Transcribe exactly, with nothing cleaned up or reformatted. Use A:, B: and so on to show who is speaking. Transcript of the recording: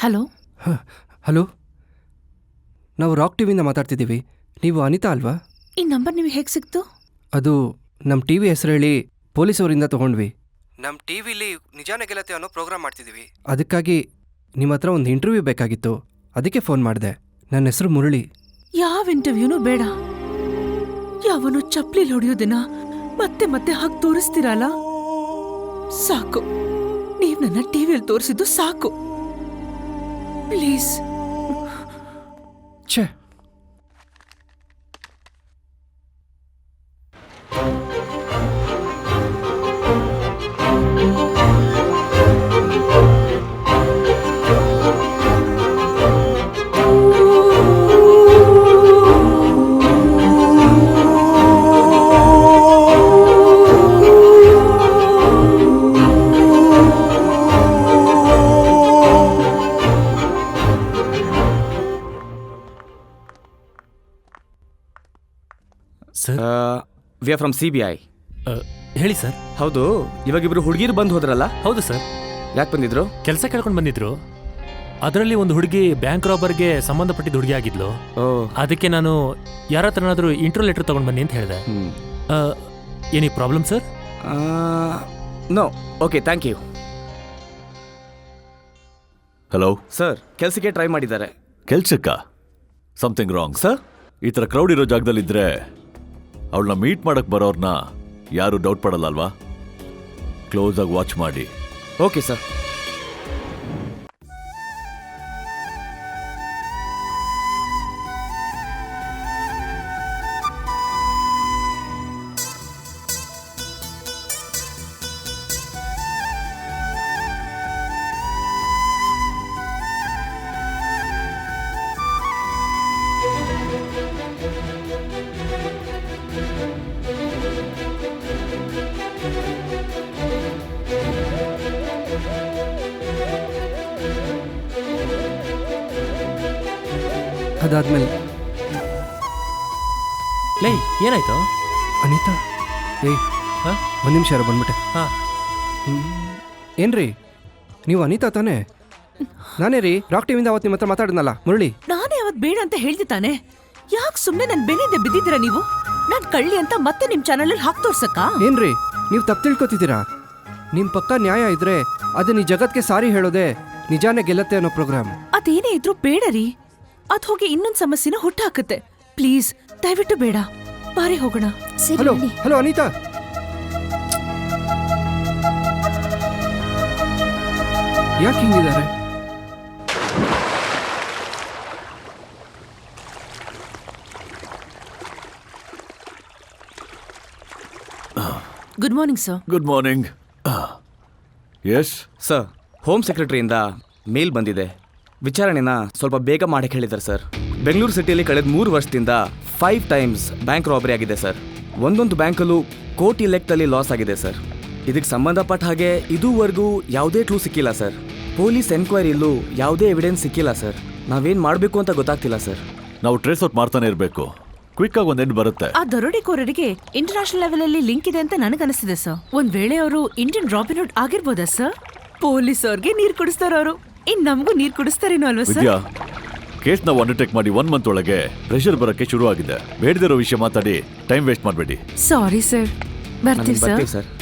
A: Hello
B: hello, ನಾವು rock ಟಿವಿಯಿಂದ ಮಾತಾಡ್ತಿದ್ದೀವಿ. ನೀವು ಅನಿತಾ ಅಲ್ವಾ?
A: ಈ ನಂಬರ್ ನಿಮಗೆ ಹೇಗೆ ಸಿಕ್ತು?
B: ಅದು ನಮ್ಮ ಟಿ ವಿ ಹೆಸರು ಹೇಳಿ ಪೊಲೀಸವರಿಂದ ತೊಗೊಂಡ್ವಿ. ನಮ್ಮ ಟಿ ವಿಲಿ ನಿಜಾನ ಗೆಲ್ಲತ್ತೆ ಅನ್ನೋ ಪ್ರೋಗ್ರಾಮ್ ಮಾಡ್ತಿದ್ದೀವಿ. ಅದಕ್ಕಾಗಿ ನಿಮ್ಮ ಹತ್ರ ಒಂದು ಇಂಟರ್ವ್ಯೂ ಬೇಕಾಗಿತ್ತು, ಅದಕ್ಕೆ ಫೋನ್ ಮಾಡಿದೆ. ನನ್ನ ಹೆಸರು ಮುರಳಿ.
A: ಯಾವ ಇಂಟರ್ವ್ಯೂನೂ ಬೇಡ. ಯಾವನು ಚಪ್ಲಿಲಿ ಹೊಡೆಯೋದಿನ ಮತ್ತೆ ಮತ್ತೆ ಹಾಗೆ ತೋರಿಸ್ತೀರಲ್ಲ, ಸಾಕು. ನೀವು ನನ್ನ ಟಿವಿಯಲ್ಲಿ ತೋರಿಸಿದ್ದು ಸಾಕು, ಪ್ಲೀಸ್.
B: ಛೇ,
C: sir,
D: we are from C B I.
C: ಹೇಳಿ ಸರ್.
D: ಹೌದು, ಇವಾಗ ಇಬ್ರು ಹುಡುಗಿರು ಬಂದು ಹೋದ್ರಲ್ಲ?
C: ಹೌದು ಸರ್.
D: ಯಾಕೆ ಬಂದಿದ್ರು?
C: ಕೆಲಸ ಕೇಳ್ಕೊಂಡು ಬಂದಿದ್ರು. ಅದರಲ್ಲಿ ಒಂದು ಹುಡುಗಿ ಬ್ಯಾಂಕ್ ರಾಬರ್ಗೆ ಸಂಬಂಧಪಟ್ಟಿದ್ದ ಹುಡುಗಿ ಆಗಿದ್ಲು. ಅದಕ್ಕೆ ನಾನು ಯಾರ ಹತ್ರನಾದ್ರೂ ಇಂಟ್ರೋ ಲೆಟರ್ ತಗೊಂಡು ಬನ್ನಿ ಅಂತ ಹೇಳಿದೆ. Any problem sir?
D: No. Okay, thank you.
E: Hello
D: sir, ಕೆಲಸಕ್ಕೆ ಟ್ರೈ ಮಾಡಿದ್ದಾರೆ.
E: ಕೆಲ್ಸಕ್ಕ? Something wrong
D: sir.
E: ಈ ಥರ ಕ್ರೌಡ್ ಇರೋ ಜಾಗದಲ್ಲಿದ್ದರೆ ಅವಳನ್ನ ಮೀಟ್ ಮಾಡಕ್ ಬರೋರ್ನ ಯಾರು ಡೌಟ್ ಪಡಲ್ಲ ಅಲ್ವಾ? ಕ್ಲೋಸ್ ಆಗಿ ವಾಚ್ ಮಾಡಿ.
D: Okay sir.
B: ಅದಾದ್ಮೇಲೆ
C: ಲೈ ಏನಾಯ್ತು?
B: ಅನಿತಾ, ಏಯ್
C: ಹಾಂ,
B: ಒಂದು ನಿಮಿಷ ಯಾರು ಬಂದ್ಬಿಟ್ಟೆ.
C: ಹಾಂ.
B: ಏನ್ರಿ, ನೀವು ಅನಿತಾ ತಾನೇ? ನಾನೇ ರೀ, ರಾಕ್ ಟಿವಿಯಿಂದ ಅವತ್ತು ನಿಮ್ಮ ಹತ್ರ ಮಾತಾಡಿದ್ನಲ್ಲ, ಮುರಳಿ.
A: ನಾನೇ ಅವತ್ತು ಬೇಡ ಅಂತ ಹೇಳ್ದೆ ತಾನೆ. ಯಾಕೆ ಸುಮ್ಮನೆ ನನ್ನ ಬೆನ್ನಿಂದ ಬಿದ್ದಿದ್ದೀರಾ ನೀವು? ನಾನು ಕಳ್ಳಿ ಅಂತ ಮತ್ತೆ ನಿಮ್ಮ ಚಾನಲಲ್ಲಿ ಹಾಕಿ ತೋರ್ಸಕ್ಕ?
B: ಏನ್ರಿ, ನೀವು ತಪ್ಪು ತಿಳ್ಕೊತಿದ್ದೀರಾ? ನಿಮ್ಮ ಪಕ್ಕ ನ್ಯಾಯ ಇದ್ರೆ ಅದನ್ನ ಈ ಜಗತ್ಗೆ ಸಾರಿ ಹೇಳೋದೆ ನಿಜಾನೇ ಗೆಲ್ಲತ್ತೆ ಅನ್ನೋ ಪ್ರೋಗ್ರಾಮ್.
A: ಅದೇನೇ ಇದ್ರೂ ಬೇಡ ರೀ. ಅದ್ ಹೋಗಿ ಇನ್ನೊಂದು ಸಮಸ್ಯೆನ ಹುಟ್ಟಾಕತ್ತೆ. ಪ್ಲೀಸ್, ದಯವಿಟ್ಟು ಬೇಡ. ಬಾರಿ ಹೋಗೋಣ.
B: ಹಲೋ ಹಲೋ ಅನಿತಾ, ಯಾಕೆ ಹಿಂಗಿದ್ದಾರೆ?
A: Good morning sir.
E: Good morning. Yes
D: sir, home ಸೆಕ್ರೆಟರಿಯಿಂದ ಮೇಲ್ ಬಂದಿದೆ. ವಿಚಾರಣೆನ ಸ್ವಲ್ಪ ಬೇಗ ಮಾಡಕ್ಕೆ ಹೇಳಿದ್ದಾರೆ ಸರ್. ಬೆಂಗಳೂರು ಸಿಟಿಯಲ್ಲಿ ಕಳೆದ ಮೂರು ವರ್ಷದಿಂದ ಫೈವ್ ಟೈಮ್ಸ್ ಬ್ಯಾಂಕ್ ರಾಬರಿ ಆಗಿದೆ ಸರ್. ಒಂದೊಂದು ಬ್ಯಾಂಕಲ್ಲೂ ಕೋಟಿ ಲೆಕ್ಕದಲ್ಲಿ ಲಾಸ್ ಆಗಿದೆ ಸರ್. ಇದಕ್ಕೆ ಸಂಬಂಧಪಟ್ಟ ಹಾಗೆ ಇದುವರೆಗೂ ಯಾವುದೇ ಕ್ಲೂ ಸಿಕ್ಕಿಲ್ಲ ಸರ್. ಪೊಲೀಸ್ ಎನ್ಕ್ವೈರಿಯಲ್ಲೂ ಯಾವುದೇ ಎವಿಡೆನ್ಸ್ ಸಿಕ್ಕಿಲ್ಲ ಸರ್. ನಾವೇನು ಮಾಡಬೇಕು ಅಂತ ಗೊತ್ತಾಗ್ತಿಲ್ಲ ಸರ್.
E: ನಾವು ಟ್ರೇಸ್ ಔಟ್ ಮಾಡ್ತಾನೆ ಇರಬೇಕು. ಕ್ವಿಕ್ ಆಗಿ ಒಂದ್ ಎಂಡ್ ಬರುತ್ತೆ.
A: ಆ ದರೋಡೆಕೋರರಿಗೆ ಇಂಟರ್ನ್ಯಾಷನಲ್ ಲೆವೆಲ್ ಅಲ್ಲಿ ಲಿಂಕ್ ಇದೆ ಅಂತ ನನಗನ್ನಿಸ್ತಿದೆ ಸರ್. ಒಂದ್ ವೇಳೆ ಅವರು ಇಂಡಿಯನ್ ರಾಬಿನ್ಹುಡ್ ಆಗಿರ್ಬೋದಾ ಸರ್? ಪೊಲೀಸ್ ಅವ್ರಿಗೆ ನೀರ್ ಕುಡಿಸ್ತಾರ ಅವರು, ಇನ್ ನಮಗೂ ನೀರ್ ಕುಡಿಸ್ತಾರೇನೋ ಅಲ್ವಾ ಸರ್?
E: ವಿದ್ಯಾ, ಕೇಸ್ ನಾವು ಅಂಡರ್ಟೇಕ್ ಮಾಡಿ ಒನ್ ಮಂತ್ ಒಳಗೆ ಪ್ರೆಷರ್ ಬರಕ್ಕೆ ಶುರು ಆಗಿದೆ. ಬೇಡದಿರೋ ವಿಷಯ ಮಾತಾಡಿ ಟೈಮ್ ವೇಸ್ಟ್ ಮಾಡಬೇಡಿ.
A: Sorry sir. ಬರ್ತೀವಿ ಸರ್.
D: ಸರ್